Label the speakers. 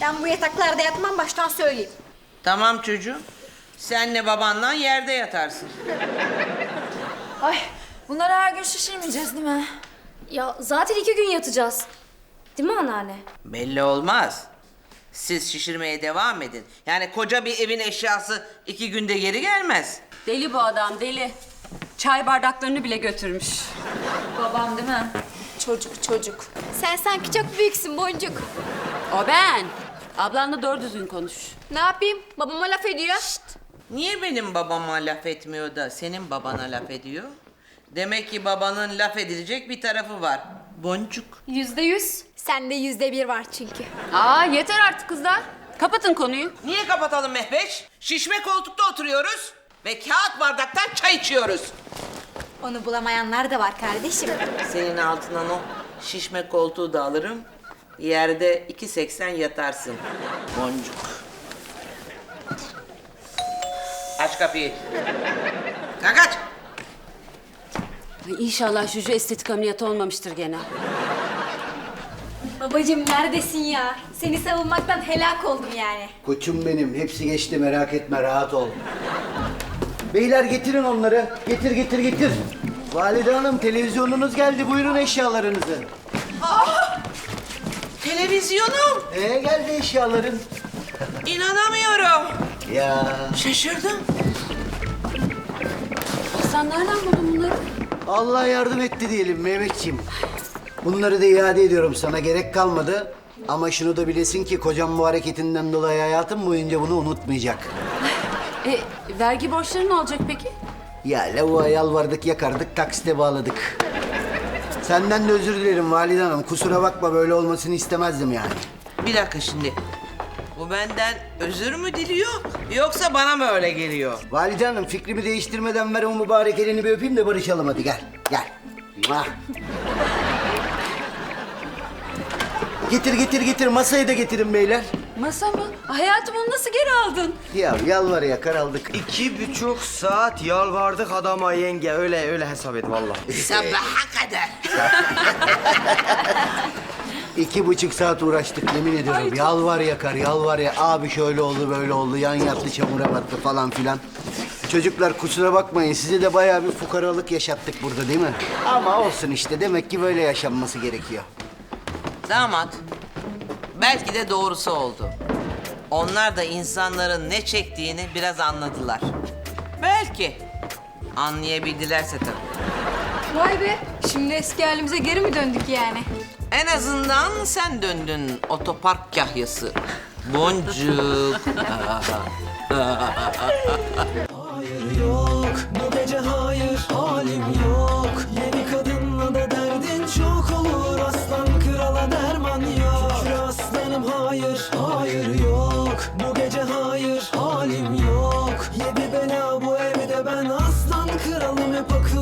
Speaker 1: Ben bu yataklarda yatmam, baştan söyleyeyim.
Speaker 2: Tamam çocuğum. Senle babanla yerde yatarsın.
Speaker 3: Ay bunları her gün şişirmeyeceğiz değil mi?
Speaker 4: Ya zaten 2 gün yatacağız. Değil mi anneanne?
Speaker 2: Belli olmaz. Siz şişirmeye devam edin. Yani koca bir evin eşyası 2 günde geri gelmez.
Speaker 5: Deli bu adam, deli. Çay bardaklarını bile götürmüş.
Speaker 3: Babam değil mi? Çocuk.
Speaker 1: Sen sanki çok büyüksün Boncuk.
Speaker 5: O ben. Ablanla doğru düzgün konuş.
Speaker 1: Ne yapayım? Babama laf ediyor.
Speaker 2: Niye benim babama laf etmiyor da senin babana laf ediyor? Demek ki babanın laf edilecek bir tarafı var. Boncuk.
Speaker 1: %100. Sende %1 var çünkü.
Speaker 5: Aa yeter artık kızlar. Kapatın konuyu.
Speaker 2: Niye kapatalım Mehveş? Şişme koltukta oturuyoruz ve kağıt bardaktan çay içiyoruz.
Speaker 1: Onu bulamayanlar da var kardeşim.
Speaker 2: Senin altından o şişme koltuğu da alırım. Yerde 2,80 yatarsın. Boncuk. Aç kapıyı. Kalk aç.
Speaker 5: Ay, İnşallah Juju estetik ameliyatı olmamıştır gene.
Speaker 1: Babacığım neredesin ya? Seni savunmaktan helak oldum yani.
Speaker 6: Koçum benim. Hepsi geçti, merak etme, rahat ol. Beyler getirin onları. Getir. Valide Hanım, televizyonunuz geldi. Buyurun eşyalarınızı.
Speaker 2: Televizyonum.
Speaker 6: Geldi eşyaların.
Speaker 2: İnanamıyorum.
Speaker 6: Ya
Speaker 2: Şaşırdım.
Speaker 5: Sen nereden buldun bunları?
Speaker 6: Allah yardım etti diyelim Mehmetciğim. Bunları da iade ediyorum sana. Gerek kalmadı. Ama şunu da bilesin ki kocam bu hareketinden dolayı hayatım boyunca bunu unutmayacak.
Speaker 5: Vergi borçları ne olacak peki?
Speaker 6: Ya lavuğa yalvardık, yakardık, taksite bağladık. Senden de özür dilerim Valide Hanım. Kusura bakma, böyle olmasını istemezdim yani.
Speaker 2: Bir dakika şimdi. Bu benden özür mü diliyor yoksa bana mı öyle geliyor?
Speaker 6: Valide Hanım, fikrimi değiştirmeden ver o mübarek elini bir öpeyim de barışalım hadi, gel. Muah. Getir, masayı da getirin beyler.
Speaker 5: Masa mı? Hayatım onu nasıl geri aldın?
Speaker 6: Ya yalvar yakar aldık.
Speaker 7: 2,5 saat yalvardık adama yenge. Öyle hesap et vallahi.
Speaker 2: Sabaha kadar.
Speaker 6: 2,5 saat uğraştık yemin ediyorum. Yalvar yakar. Abi şöyle oldu böyle oldu. Yan yattı çamura battı falan filan. Çocuklar kusura bakmayın. Size de bayağı bir fukaralık yaşattık burada değil mi? Ama olsun işte. Demek ki böyle yaşanması gerekiyor.
Speaker 2: Damat, belki de doğrusu oldu. Onlar da insanların ne çektiğini biraz anladılar. Belki. Anlayabildilerse tabii.
Speaker 1: Vay be. Şimdi eski halimize geri mi döndük yani?
Speaker 2: En azından sen döndün otopark kahyası. Boncuk.
Speaker 8: Hayır yok, bu gece hayır, halim yok. Yeni kadınla da derdin çok olur, aslan krala derman yok. Şükür aslanım hayır yok, bu gece hayır, halim yok. Yedi bela bu evde, ben aslan kralım, hep akıl